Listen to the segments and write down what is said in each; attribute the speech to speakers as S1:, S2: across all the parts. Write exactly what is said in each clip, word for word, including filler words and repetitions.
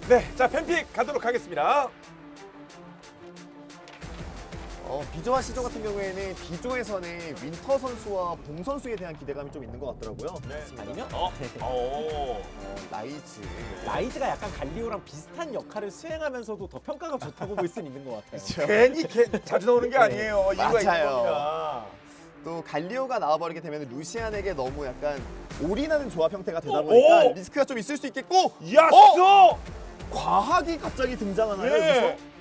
S1: 네, 자 팬픽 가도록 하겠습니다.
S2: 어, 비조와 시조 같은 경우에는 비조에서는 윈터 선수와 봉 선수에 대한 기대감이 좀 있는 것 같더라고요.
S1: 네.
S3: 아니면
S1: 어, 어,
S2: 어, 라이즈.
S3: 라이즈가 약간 갈리오랑 비슷한 역할을 수행하면서도 더 평가가 좋다고 볼 수는 있는 것 같아요.
S1: 괜히 개, 자주 나오는 게 아니에요. 이유가 있는
S2: 맞아요.
S1: 겁니다.
S2: 또 갈리오가 나와버리게 되면 루시안에게 너무 약간 올인하는 조합 형태가 되다
S1: 오!
S2: 보니까
S1: 오!
S2: 리스크가 좀 있을 수 있겠고
S1: 야쏘!
S2: 어? 과학이 갑자기 등장하나요?
S1: 예.
S2: 여기서?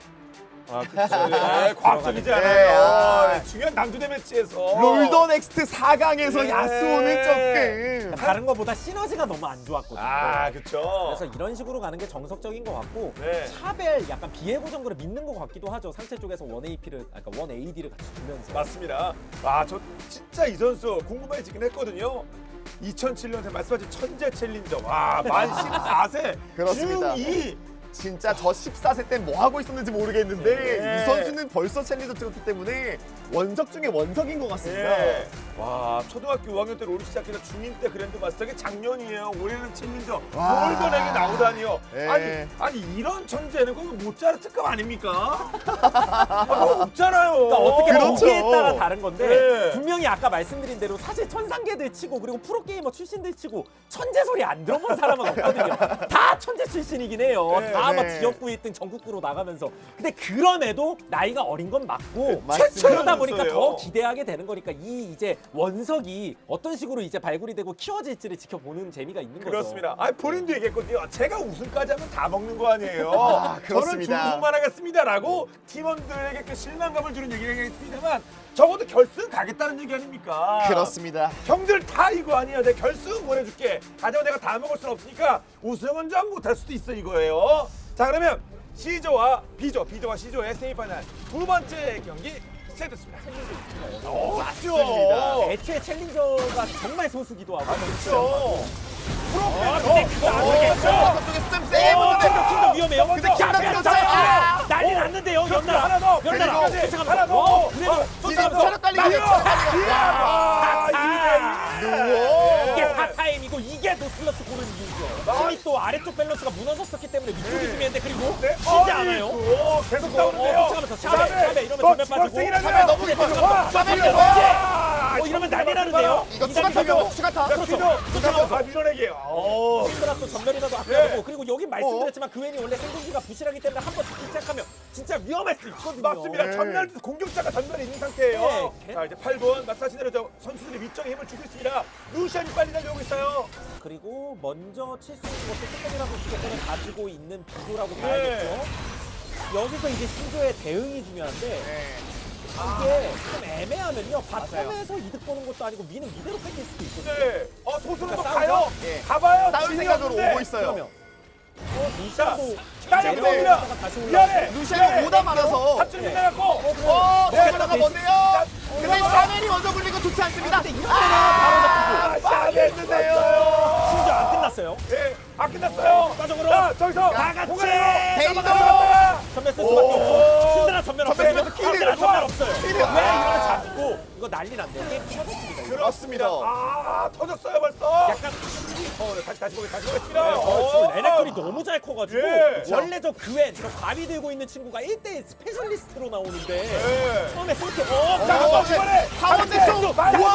S1: 아, 그렇죠. 네, 과학적이지
S2: 네,
S1: 않아요.
S2: 아.
S1: 네, 중요한 남주대 매치에서
S2: 롤더 넥스트 사 강에서
S1: 예.
S2: 야스오는 조금
S3: 다른 것보다 시너지가 너무 안 좋았거든요.
S1: 아, 그렇죠.
S3: 그래서 이런 식으로 가는 게 정석적인 것 같고
S1: 네.
S3: 샤벨 약간 비에고 정도를 믿는 것 같기도 하죠. 상체 쪽에서 원 에이피를, 그러니까 원 에이디를 같이 주면서.
S1: 맞습니다. 아, 저 진짜 이 선수 궁금해지긴 했거든요. 이천칠 년에 말씀하신 천재 챌린저. 와, 만 십사 세.
S2: 그렇습니다.
S1: 중이.
S2: 진짜 저 십사 세 때 뭐 하고 있었는지 모르겠는데
S1: 네.
S2: 이 선수는 벌써 챌린저 찍었기 때문에 원석 중에 원석인 것 같습니다.
S1: 예. 와, 초등학교 오 학년 때 롤을 시작해서 중임 때 그랜드 마스터가 작년이에요. 올해는 챌린저.
S2: 와.
S1: 골든에게 나오다니요.
S2: 예.
S1: 아니, 아니 이런 천재는 거기 모짜르 특급 아닙니까? 아, 뭐 없잖아요.
S3: 그러니까 어떻게
S2: 그렇죠.
S3: 보기에 따라 다른 건데
S1: 네.
S3: 분명히 아까 말씀드린 대로 사실 천상계들 치고 그리고 프로게이머 출신들 치고 천재 소리 안 들어본 사람은 없거든요. 다 천재 출신이긴 해요.
S1: 네.
S3: 다 막
S2: 네.
S3: 지역구 일 등 전국구로 나가면서. 근데 그럼에도 나이가 어린 건 맞고
S2: 맞습니다.
S3: 그러다 보니까
S1: 선수예요.
S3: 더 기대하게 되는 거니까 이 이제 원석이 어떤 식으로 이제 발굴이 되고 키워질지를 지켜보는 재미가 있는 거죠.
S1: 그렇습니다. 아니 본인도 얘기했거든요. 제가 우승까지 하면 다 먹는 거 아니에요.
S2: 아,
S1: 저는
S2: 그렇습니다.
S1: 준우승만 하겠습니다라고 팀원들에게 그 실망감을 주는 얘기를 하겠습니다만 적어도 결승 가겠다는 얘기 아닙니까?
S2: 그렇습니다.
S1: 형들 다 이거 아니에요. 내가 결승 보내줄게. 하지만 내가 다 먹을 순 없으니까 우승은 좀 못할 수도 있어 이거예요. 자 그러면 C조와 B조, B조와 C조의 세미파이널 두 번째 경기 시작됐습니다. 어, 맞죠.
S2: 맞습니다.
S3: 애초에 챌린저가 정말 소수기도 하고
S1: 그렇죠.
S3: 아, 근데 그거 안 되겠죠?
S2: 저쪽에서 좀 세게
S3: 어,
S2: 보는데
S3: 킹덤 킹덤 위험해요.
S1: 근데
S3: 자,
S2: 킹덤
S3: 자,
S2: 킹덤
S3: 자,
S2: 아!
S3: 난리 났는데요.
S1: 그렇죠.
S3: 연달아.
S1: 하나 더.
S3: 연달아.
S1: 그리고
S3: 쫓아가면서.
S1: 하나 더.
S3: 어, 그래도
S1: 어,
S3: 쫓아가면서.
S2: 체력 딸리기
S1: 마리오!
S2: 체력 딸리기.
S1: 아,
S2: 아,
S1: 이 대 일.
S2: 누워.
S3: 이게 사 타임이고 이게 노슬러스 고른 이유죠. 힘이 또 아래쪽 밸런스가 무너졌었기 때문에 위쪽이
S1: 네.
S3: 중요한데 그리고
S1: 네.
S3: 쉬지 않아요.
S1: 오, 계속
S3: 어,
S1: 싸우는데요.
S3: 쫓아가면서 샤베, 샤베 이러면 전면 빠지고.
S2: 샤베 너무 깊어요.
S1: 와,
S2: 샤베
S1: 샤베.
S2: 와.
S3: 어, 이러면 난리 나는데요.
S2: 이거
S3: 이
S2: 추가
S3: 단계
S2: 타격, 추가 타.
S1: 자, 피도 쫓아가면서 아, 밀어내기예요. 오.
S3: 힘들어 또 전면이라도 아껴야
S1: 네.
S3: 되고 그리고 여기 말씀드렸지만 그웬이 원래 생존기가 부실하기 때문에 한번 듣기 시작하면 진짜 위험할 수 있거든요.
S1: 맞습니다.
S2: 네.
S1: 전멸 공격자가 전멸에 있는 상태예요.
S3: 네.
S1: 자 이제 팔 분 마사지 내려져 선수들이 위쪽에 힘을 주고 있습니다. 루시안이 빨리 달려오고 있어요.
S3: 그리고 먼저 칠 수 있는 것도 조금이라도 주겠다는 가지고 있는 비교라고
S1: 네.
S3: 봐야겠죠. 여기서 이제 신조의 대응이 중요한데
S2: 네.
S3: 이게 좀 애매하면요. 바텀에서 이득 보는 것도 아니고 미는 이대로 뺏길 수도 있거든요.
S1: 네. 어 소수는 또
S3: 그러니까
S1: 가요.
S3: 싸우죠?
S2: 예.
S1: 가봐요.
S2: 싸울
S1: 진이
S2: 생각으로
S1: 없는데.
S2: 오고 있어요.
S3: 그러면 어, 루시안도
S1: 따려
S2: 네.
S1: 들어옵니다.
S3: 다시 올라가고.
S1: 미안해.
S2: 루시안이 오다 말아서.
S1: 합줄 빗나갔고.
S2: 어,
S1: 네.
S2: 오케라가 뭔데요? 근데 샤넬이 먼저 불리고 좋지 않습니다.
S3: 근데 이러면은 바로 잡히고
S1: 아, 잘했는데요.
S3: 심지어 안 끝났어요.
S1: 예, 아 끝났어요.
S3: 빠져버려.
S1: 자, 저기서
S3: 다 같이.
S2: 데이더.
S3: 전면 쓸 수밖에 없고 신드라 전면 없어요.
S2: 전면에서 킬을
S3: 신드라
S2: 좋아.
S3: 전면 없어요. 왜
S2: 킬을. 아.
S3: 이러면 잡고 이거 난리 났네. 게임 터졌습니다. 이거.
S2: 그렇습니다.
S1: 아, 터졌어요 벌써.
S3: 약간
S1: 어, 네, 다시 다시 보기 다시 보겠습니다.
S3: 어, 지금 레넥톤이 너무 잘 커가지고
S1: 예.
S3: 원래 저 그웬 저 바위 들고 있는 친구가 일 대일 스페셜리스트로 나오는데
S1: 예.
S3: 처음에 그렇게 어,
S1: 자,
S2: 어,
S1: 한번 이번에
S2: 가운데 쪽.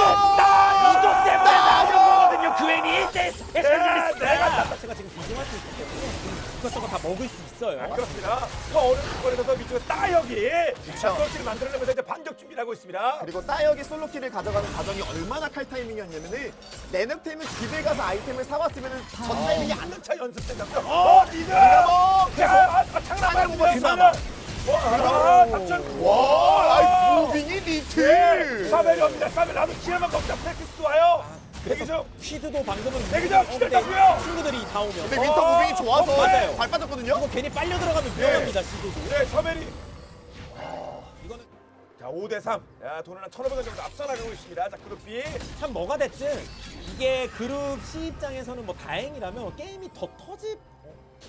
S2: 와.
S3: 이것 때문에 나오는 거거든요. 그웬이 일 대일 스페셜리스트.
S1: 네, 내가
S3: 자체가 지금 비중할 수 있기 때문에 이것저것 다 먹을 수 있어요.
S1: 그렇습니다. 더 어려운 거리에서 위쪽에 따여기 솔직히 만들어내면서 이제 반격 준비를 하고 있습니다.
S2: 그리고 따여기 솔로킬을 가져가는 과정이 얼마나 칼 타이밍이었냐면은 레넥템은 집에 가서 아이템을 사왔으면은 전 타이밍이 안
S1: 한차 연습된 장면. 어, 리드.
S2: 뭐
S1: 야, 아, 아, 장난
S2: 사냥
S1: 아닙니다.
S2: 그나마.
S1: 와, 삼천.
S2: 와, 아이 무빙이 리트.
S1: 사벨이 옵니다. 사벨 나도 기회만 먹자. 프랙티스도 와요. 대기 중.
S3: 퀴드도 방금은
S1: 대기 중.
S3: 어, 근데
S1: 기다렸고요.
S3: 친구들이 다 오면
S2: 근데 윈터 무빙이 좋아서
S3: 어, 맞아요.
S2: 발 빠졌거든요.
S3: 이거 괜히 빨려 들어가면 위험합니다. 시도도.
S1: 네, 샤벨이. 이거는 자, 오 대 삼. 야, 돈을 한 천오백 원 정도 앞서 나가고 있습니다. 자, 그룹 B.
S3: 참 뭐가 됐든 이게 그룹 C 입장에서는 뭐 다행이라면 게임이 더 터지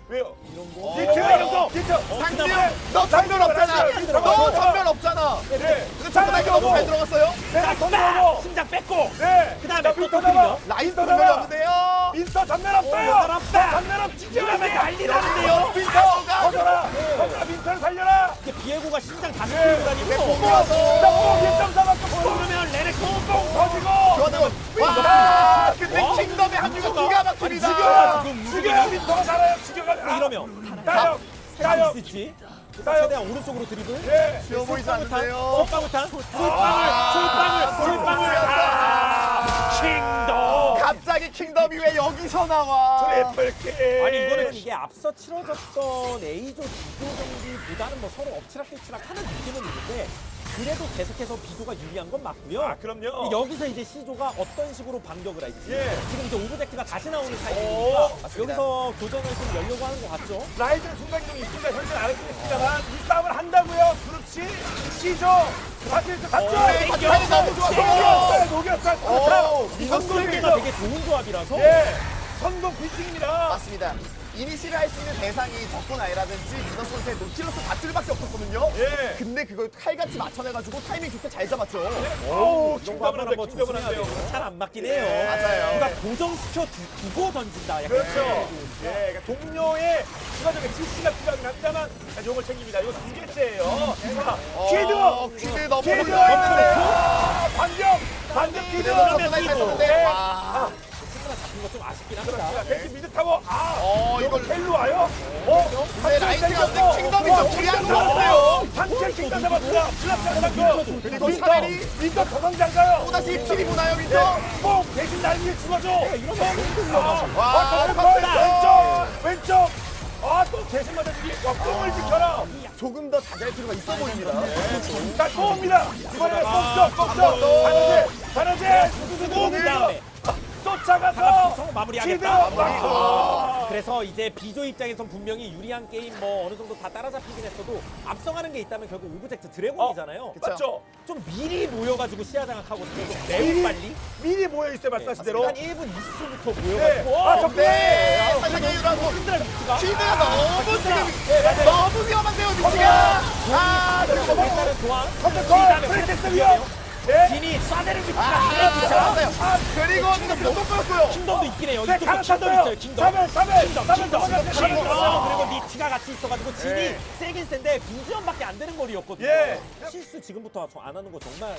S1: 왜요?
S3: 이런 거.
S1: 디트
S2: 어,
S1: 이런 거. 디트.
S2: 상대요. 너 전멸 없잖아. 너 전멸 없잖아.
S1: 네.
S2: 근데 정말 너무 잘 들어갔어요.
S1: 내가 돈
S3: 빡!
S1: 넣어.
S3: 심장 뺏고.
S1: 네.
S3: 그다음에
S1: 자,
S3: 또
S1: 민터
S3: 터뜨리면.
S1: 잡아.
S2: 라이스
S1: 민터
S2: 전멸
S1: 잡아.
S2: 없는데요.
S1: 민터 전멸 없어요.
S3: 전멸 없다.
S1: 전멸 없지.
S3: 이러면 난리 나는데요.
S1: 민터
S2: 가.
S1: 터져라. 터져라. 민터를 살려라.
S3: 이게 비에고가 심장 다
S1: 네.
S3: 들고 다니고.
S2: 공이어서.
S1: 나뽕 일 점 사 맞고
S3: 그러면 레넥
S1: 뽕 터지고.
S2: 저는 와. 근데
S3: 와.
S2: 킹덤의 합류가 기가 막힙니다.
S1: 죽여라.
S3: 지금
S1: 죽여라.
S3: 움직임이-
S1: 민터가 살아요. 죽여가. 아,
S3: 이러면
S1: 따요. 따요.
S3: 있을지.
S1: 따요.
S3: 최대한 오른쪽으로 드리블.
S1: 예.
S2: 쉬워 보이지
S3: 솔방울탄,
S2: 않는데요.
S3: 솔방울탄, 솔방울, 솔방울, 솔방울. 아, 킹덤.
S2: 갑자기 킹덤이 왜 여기서 나와?
S1: 트리플 킬.
S3: 아니 이거는 이게 앞서 치러졌던 A조 B조 경기보다는 뭐 서로 엎치락뒤치락 하는 느낌은 있는데 그래도 계속해서 B조가 유리한 건 맞고요.
S1: 아, 그럼요.
S3: 근데 여기서 이제 C조가 어떤 식으로 반격을 할지
S1: 예.
S3: 지금 이제 오브젝트가 다시 나오는
S1: 오,
S3: 타이밍이니까
S2: 맞습니다.
S3: 여기서 교전을 좀 열려고 하는 것 같죠.
S1: 라이즈는 순간이동이 있습니다. 현재 알겠습니다만 이 싸움을 한다고요. 그렇지. 시죠. 다시 이제 갔죠.
S2: 네,
S3: 땡겨.
S2: 타이밍 너무 좋았어요.
S1: 녹였어요. 녹였어요.
S2: 오,
S3: 이
S2: 이거
S3: 선수들과 되게 좋은 조합이라서
S1: 예. 성공 빌딩입니다.
S2: 맞습니다. 이니시를 할 수 있는 대상이 적군 아이라든지 미더 선수의 노틸러스 밧줄밖에 없었거든요.
S1: 예.
S2: 근데 그걸 칼같이 맞춰내가지고 타이밍 좋게 잘 잡았죠.
S1: 오,
S3: 이런 거
S1: 킹덤을
S3: 한번
S1: 한대.
S3: 한번
S1: 킹덤을
S3: 조심해야
S1: 한대요.
S3: 돼요. 잘 안 맞긴 해요.
S1: 예.
S2: 맞아요.
S3: 그러니까 고정시켜 두- 두고 던진다. 약간
S1: 그렇죠.
S3: 이런
S1: 예, 그러니까 동료의 추가적인 지시가 필요하긴 합니다만 용을 챙깁니다. 이거 두 개째예요. 자,
S2: 어,
S1: 퀴드.
S2: 퀴드 너무
S1: 퀴드.
S2: 올라가는데요.
S1: 아, 반격. 반격 퀴드.
S2: 퀴드 너무
S3: 그러면
S2: 잘했는데.
S1: 네.
S2: 와.
S3: 친구가 잡힌 거 좀 아쉽긴
S1: 자,
S3: 합니다.
S1: 대신 미드 타고 아,
S2: 어,
S1: 이거
S2: 이걸-
S1: 텔로 와요? 어?
S2: 근데 라이트가 근데 킹덤이 좀 불리한 것 같아요.
S1: 상체 킹덤 잡았습니다. 플라스 잡았고.
S2: 그리고
S1: 민터,
S2: 차라리
S1: 민터 도망장 가요.
S2: 또다시 킬이 보나요,
S1: 네.
S2: 윈터?
S1: 뽕 대신 날 위에 죽어줘. 아,
S2: 와,
S1: 아,
S2: 컸어요.
S1: 왼쪽, 왼쪽. 아, 또 대신 맞아주기. 와, 뽕을 지켜라.
S2: 조금 더 자제할 필요가 있어 보입니다.
S1: 자, 또 옵니다. 이번에
S3: 아,
S1: 뽕쪽, 뽕쪽. 바느질, 바느질.
S3: 그 다음에
S1: 쫓아가서
S3: 성공
S1: 치드
S3: 마무리하겠다.
S1: 막고.
S3: 그래서 이제 B조 입장에선 분명히 유리한 게임 뭐 어느 정도 다 따라잡히긴 했어도 앞서가는 게 있다면 결국 오브젝트 드래곤이잖아요.
S2: 그쵸.
S1: 맞죠?
S3: 좀 미리 모여가지고 시야 장악하거든요. 좀 매우
S1: 미리,
S3: 빨리.
S1: 미리 모여 있어요, 말씀하신 대로.
S3: 한 일 분 이십 초부터
S1: 네.
S3: 모여가지고.
S1: 아,
S3: 어,
S1: 저
S2: 네, 살짝 여유라고.
S3: 흔들어 위치가.
S2: 퀴드가 너무 지금
S1: 네, 맞아요.
S2: 너무 위험한데요, 위치가. 아, 그리고 뭐.
S3: 일단은 도안.
S1: 선택권, 프리테스 위험. 네.
S3: 진이 쏴대는 위치가
S2: 아,
S3: 그래요.
S2: 잡았어요. 그리고 킹덤도 또 끊었고요.
S3: 킹덤도 있긴 해요.
S1: 네,
S3: 이쪽도 킹덤
S1: 갈아탔어요.
S3: 있어요. 킹덤.
S1: 사벨, 사벨,
S3: 킹덤,
S1: 사벨
S3: 킹덤,
S1: 넘어갔어요.
S3: 킹덤.
S1: 킹덤.
S3: 그리고 니티가 같이 있어가지고 진이
S1: 네.
S3: 세긴 센데 빈지연밖에 안 되는 거리였거든요.
S1: 예.
S3: 실수 지금부터 저 안 하는 거 정말.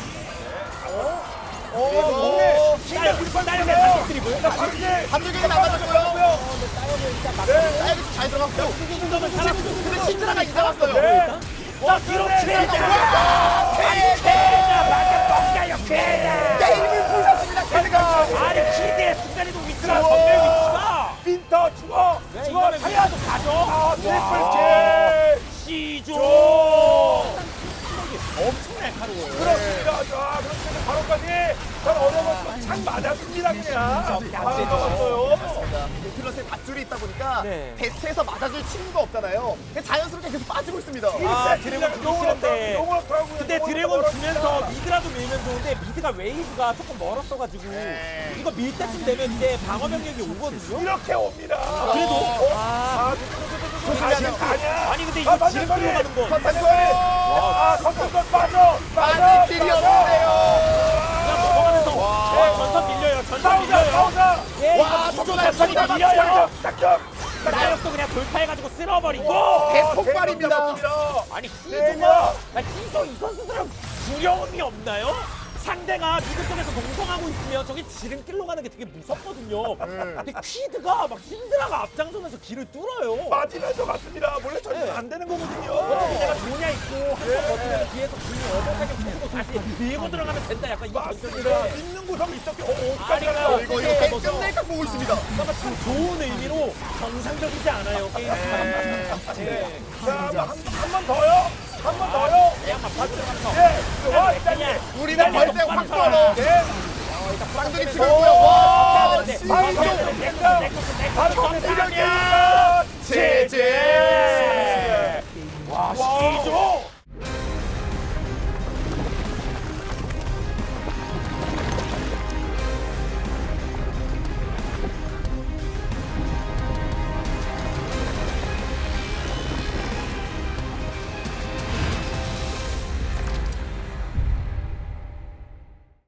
S1: 오,
S2: 그리고
S1: 좋네.
S3: 따요, 따요, 단독 드리블.
S1: 자, 바느질.
S2: 감독에게 나가졌고요.
S3: 따요를 일단 막.
S1: 네.
S2: 사이드 잘 들어갔고.
S3: 킹덤은 사람
S2: 근데 신드라가 이제 왔어요.
S1: 네.
S3: 와 뒤로
S1: 네.
S3: 치자.
S2: 게임을 풀렸습니다, 캐드가.
S3: 아니 키드의 순간이동 위치가
S1: 우와.
S3: 전멸 위치가.
S1: 빈터 죽어.
S3: 네,
S1: 죽어.
S3: 이거는
S1: 타야.
S3: 위치도 가죠.
S1: 아,
S3: 와.
S1: 트리플
S3: 시조.
S1: 킬.
S3: 엄청 날카로워요.
S1: 그렇습니다. 자, 그렇게 바로까지 전 어려웠지만 창 맞았습니다, 그냥.
S3: 진짜
S1: 아,
S3: 안 되죠.
S1: 맞았어요.
S2: 노틸러스에 밧줄이 있다 보니까
S3: 네.
S2: 대체해서 맞아줄 친구가 없잖아요. 근데 자연스럽게 계속 빠지고 있습니다.
S3: 아, 드래곤 주기 싫은데.
S1: 용으로 타고
S3: 근데 드래곤 주면서 미드라도 밀면 좋은데 미드가 웨이브가 조금 멀었어가지고
S2: 네.
S3: 이거 밀 때쯤 되면 이제 방어 병력이 오거든요.
S1: 이렇게 옵니다.
S3: 그래도
S1: 어?
S3: 아,
S1: 아,
S2: 조심해야 돼요.
S1: 아니야.
S3: 아니 근데
S1: 아,
S3: 이거 지름
S1: 맞네,
S3: 끌고 가는 거
S1: 컨텐츠. 아, 컨텐츠 빠져. 빠져.
S2: 빠질 길이 없는데요.
S3: 그냥 넘어가면서
S2: 와.
S3: 와, 전선 밀려요. 전선
S1: 싸우자,
S3: 밀려요.
S1: 싸우자.
S3: 예,
S2: 와,
S3: 이거
S2: 저거
S3: 진짜
S2: 날선이
S3: 전선
S2: 다
S3: 밀려요.
S1: 작전.
S3: 나역도 그냥 돌파해가지고 쓸어버리고.
S2: 대폭발입니다.
S3: 아니
S1: 네,
S3: 희조가 나 희조 이 선수들은 두려움이 없나요? 상대가 미드 쪽에서 농성하고 있으면 저기 지름길로 가는 게 되게 무섭거든요. 근데 퀴드가 막 신드라가 앞장서면서 길을 뚫어요.
S1: 맞으면서 맞습니다. 원래 저는
S3: 네.
S1: 안 되는 거거든요.
S3: 어차피 내가 조냐 있고 한번
S1: 네.
S3: 버티면 뒤에서 길이 어버하게 붙이고 다시 밀고 들어가면 된다. 약간 이
S1: 맞습니다.
S3: 전술인데
S1: 있는 구석이 있었기. 오,
S3: 아니,
S1: 깜짝이야.
S3: 그러니까
S2: 이거
S3: 네,
S2: 이거
S3: 뭐
S2: 끝낼까 보고 있습니다.
S3: 그러니까 좀 좋은 의미로 정상적이지 않아요 게임.
S1: 네. 자, 한 번 더요. 한 번 더요.
S3: 그냥 막 받들어가면서
S1: 예. 와, 일단
S3: 그냥
S2: 우리는 벌떼 확 떨어.
S1: 네.
S2: 쌍둥이 치고요. 와,
S3: 네.
S2: 씨.
S1: 바로
S3: 넥서스, 넥서스, 넥서스, 넥서스.
S1: 바로 공격이야.